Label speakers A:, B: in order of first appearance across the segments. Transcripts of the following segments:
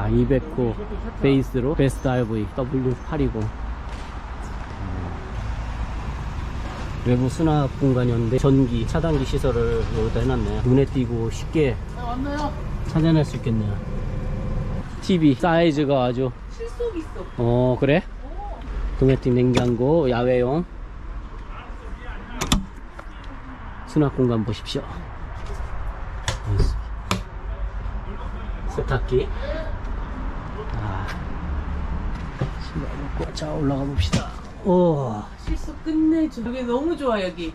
A: 야, 200호 베이스로 베스트 RV W820. 외부 수납 공간이었는데 전기, 차단기 시설을 여기다 해놨네. 눈에 띄고 쉽게 찾아낼 수 있겠네요. TV 사이즈가 아주
B: 실속 있어.
A: 그래? 도메틱 냉장고, 야외용 수납 공간 보십시오. 세탁기. 신발 벗고 자 올라가 봅시다.
B: 실속 끝내줘. 여기 너무 좋아 여기.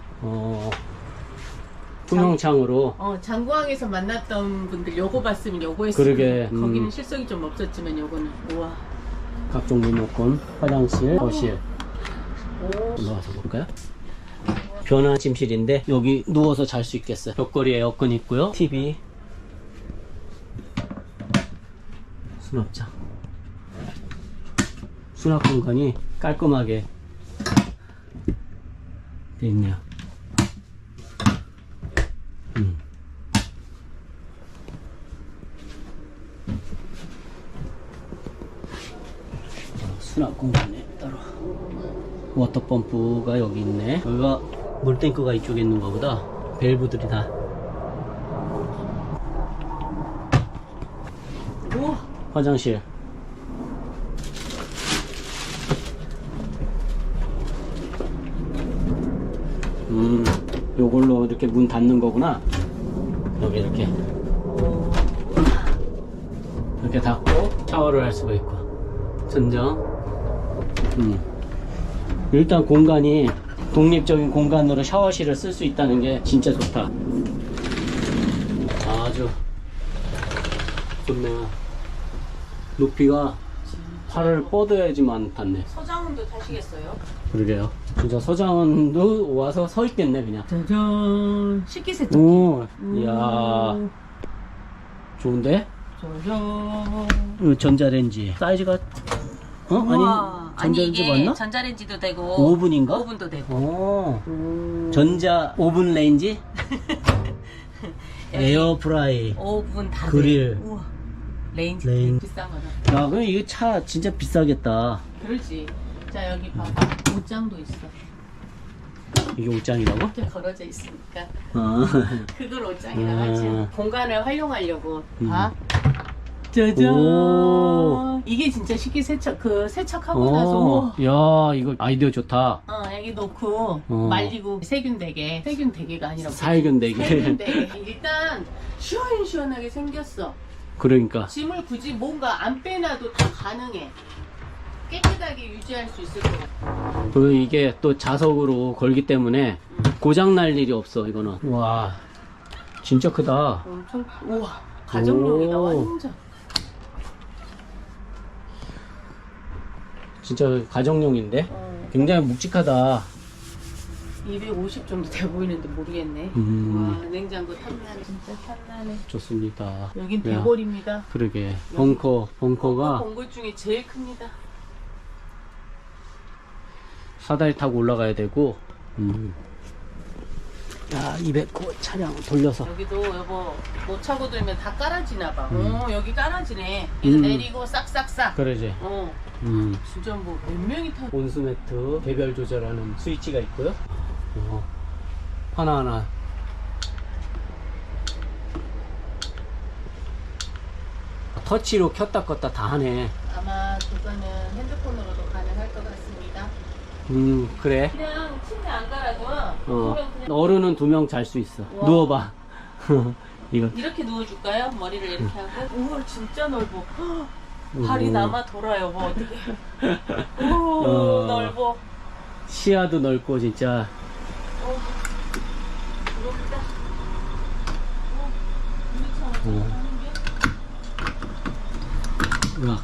A: 투명창으로.
B: 장구항에서 만났던 분들 요거 봤으면 요거 했으면.
A: 그러게.
B: 거기는 실속이 좀 없었지만 요거는 우와.
A: 각종 리모컨, 화장실, 거실. 올라가서 볼까요? 변환 침실인데 여기 누워서 잘 수 있겠어요. 벽걸이 에어컨 있고요. TV, 수납장. 수납 공간이 깔끔하게 돼 있네요. 수납 공간에 따로 워터펌프가 여기 있네. 여기가 물탱크가 이쪽에 있는 거보다 밸브들이 다.
B: 우와.
A: 화장실. 요걸로 이렇게 문 닫는 거구나. 여기 이렇게 닫고 샤워를 할 수가 있고. 전정. 일단 공간이 독립적인 공간으로 샤워실을 쓸 수 있다는 게 진짜 좋다. 아주 좋네요. 높이가 팔을 뻗어야지만 닿네.
B: 서장훈도 타시겠어요?
A: 그러게요. 진짜 서장훈도 와서 서 있겠네 그냥.
B: 짜잔. 식기세척기.
A: 오, 이야, 좋은데?
B: 짜잔.
A: 전자레인지 사이즈가 아니 전자레인지
B: 이게
A: 맞나?
B: 전자레인지도 되고
A: 오븐인가?
B: 오븐도 되고.
A: 전자 오븐 레인지? 에어프라이,
B: 오븐 다
A: 그릴.
B: 돼. 우와. 레인지
A: 레인.
B: 비싼 거다.
A: 야, 그럼 이거 차 진짜 비싸겠다.
B: 그렇지. 자 여기 봐봐. 옷장도 있어.
A: 이게 옷장이라고?
B: 이렇게 걸어져 있으니까 그걸 옷장이라고
A: 아.
B: 하지. 공간을 활용하려고.
A: 음.
B: 봐. 짜잔.
A: 오.
B: 이게 진짜 식기세척 세척하고 나서 우와.
A: 야, 이거 아이디어 좋다.
B: 여기 놓고 말리고 세균 대게 아니라
A: 살균 되게.
B: 세균 대게. 일단 시원시원하게 생겼어.
A: 그러니까
B: 짐을 굳이 뭔가 안 빼놔도 다 가능해. 깨끗하게 유지할 수 있을 것 같아.
A: 그 이게 또 자석으로 걸기 때문에 고장 날 일이 없어 이거는. 와, 진짜 크다.
B: 엄청 우와 가정용이다.
A: 오.
B: 완전.
A: 진짜 가정용인데 굉장히 묵직하다.
B: 250 정도 돼 보이는데 모르겠네. 와 냉장고 탐나네. 진짜 탐나네.
A: 좋습니다.
B: 여긴
A: 야,
B: 대골입니다.
A: 그러게. 벙커가
B: 벙골 중에 제일 큽니다.
A: 사다리 타고 올라가야 되고. 야, 200호 차량 돌려서.
B: 여기도 여보 못 차고 들면 다 깔아지나 봐. 여기 깔아지네. 이거 내리고 싹싹싹.
A: 그러지.
B: 진짜 뭐 몇 명이 타.
A: 온수매트 개별 조절하는 스위치가 있고요. 하나하나. 터치로 켰다 껐다 다 하네.
B: 아마 그거는 핸드폰으로도 가능할 것 같습니다.
A: 그래.
B: 그냥 침대 안 깔아도 그냥
A: 어른은 2명 잘 수 있어.
B: 와.
A: 누워봐. 이거.
B: 이렇게 누워줄까요? 머리를 이렇게 하고. 우와 진짜 넓어. 발이 남아 돌아요. 뭐 어떻게? 오 넓어.
A: 시야도 넓고 진짜.
B: 부럽다.
A: 으악.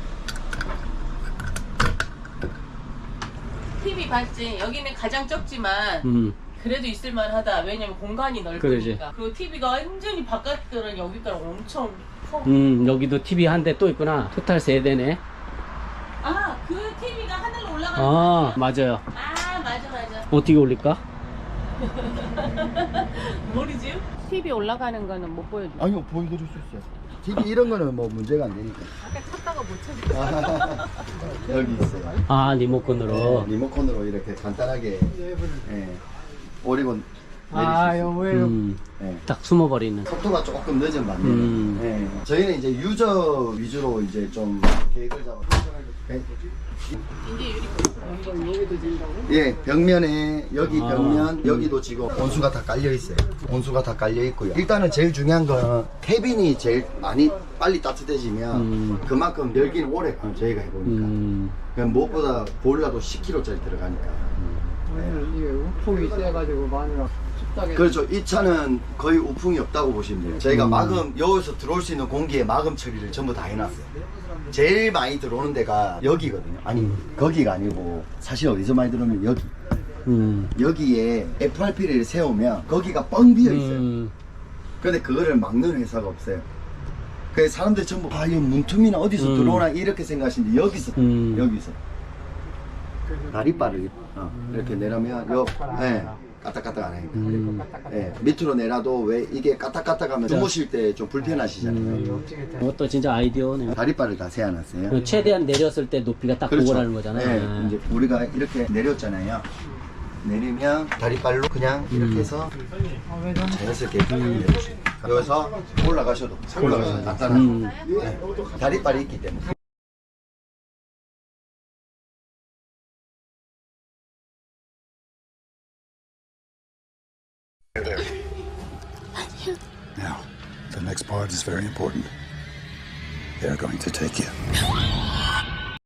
B: TV 봤지? 여기는 가장 적지만 그래도 있을만하다. 왜냐면 공간이 넓으니까.
A: 그러지.
B: 그리고 TV가 완전히 바깥들은 여기까지 엄청 커.
A: 여기도 TV 한 대 또 있구나. 토탈 3대네.
B: 그 TV가 하늘로 올라가는
A: 아,
B: 거
A: 맞아요.
B: 맞아.
A: 어떻게 올릴까?
B: 모르지? TV 올라가는 거는 못 보여줘.
C: 아니요, 보여드릴 수 있어요. TV 이런 거는 뭐 문제가 안 되니까.
B: 아까 찾다가 못 찾았어.
C: 여기 있어요.
A: 아, 리모컨으로.
C: 리모컨으로 이렇게 간단하게 예, 오리곤
D: 아, 여보예요.
C: 예.
A: 딱 숨어버리는.
C: 속도가 조금 늦은 반면에 예. 저희는 이제 유저 위주로 이제 좀 계획을 잡아서 예. 예, 벽면에 여기 벽면 여기도 지금 온수가 다 깔려 있어요. 온수가 다 깔려 있고요. 일단은 제일 중요한 건 캐빈이 제일 많이 빨리 따뜻해지면 그만큼 열기는 오래 가요. 저희가 해보니까. 그냥 무엇보다 보일러도 10kg짜리 들어가니까.
D: 이게 우풍이 세가지고 마누라 춥다게.
C: 그렇죠. 이 차는 거의 우풍이 없다고 보시면 돼요. 저희가 마금, 여기서 들어올 수 있는 공기에 마금 처리를 전부 다 해놨어요. 제일 많이 들어오는 데가 여기거든요. 아니, 거기가 아니고, 사실 어디서 많이 들어오면 여기. 여기에 FRP를 세우면 거기가 뻥 비어 있어요. 근데 그거를 막는 회사가 없어요. 그래서 사람들이 전부, 아, 이 문틈이나 어디서 들어오나 이렇게 생각하시는데, 여기서, 여기서. 다리바를 이렇게 내려면, 예. 까딱까딱 안 하니까. 예, 밑으로 내놔도 왜 이게 까딱까딱하면 주무실 때 좀 불편하시잖아요.
A: 이것도 진짜 아이디어네요.
C: 다리바를 다 세워놨어요.
A: 최대한 내렸을 때 높이가 딱
C: 그렇죠.
A: 그거라는 거잖아요.
C: 네, 이제 우리가 이렇게 내렸잖아요. 내리면 다리발로 그냥 이렇게 해서 자연스럽게 내려주세요. 여기서 올라가셔도 간단한 네, 다리발이 있기 때문에.
E: Now, the next part is very important. They're going to take you.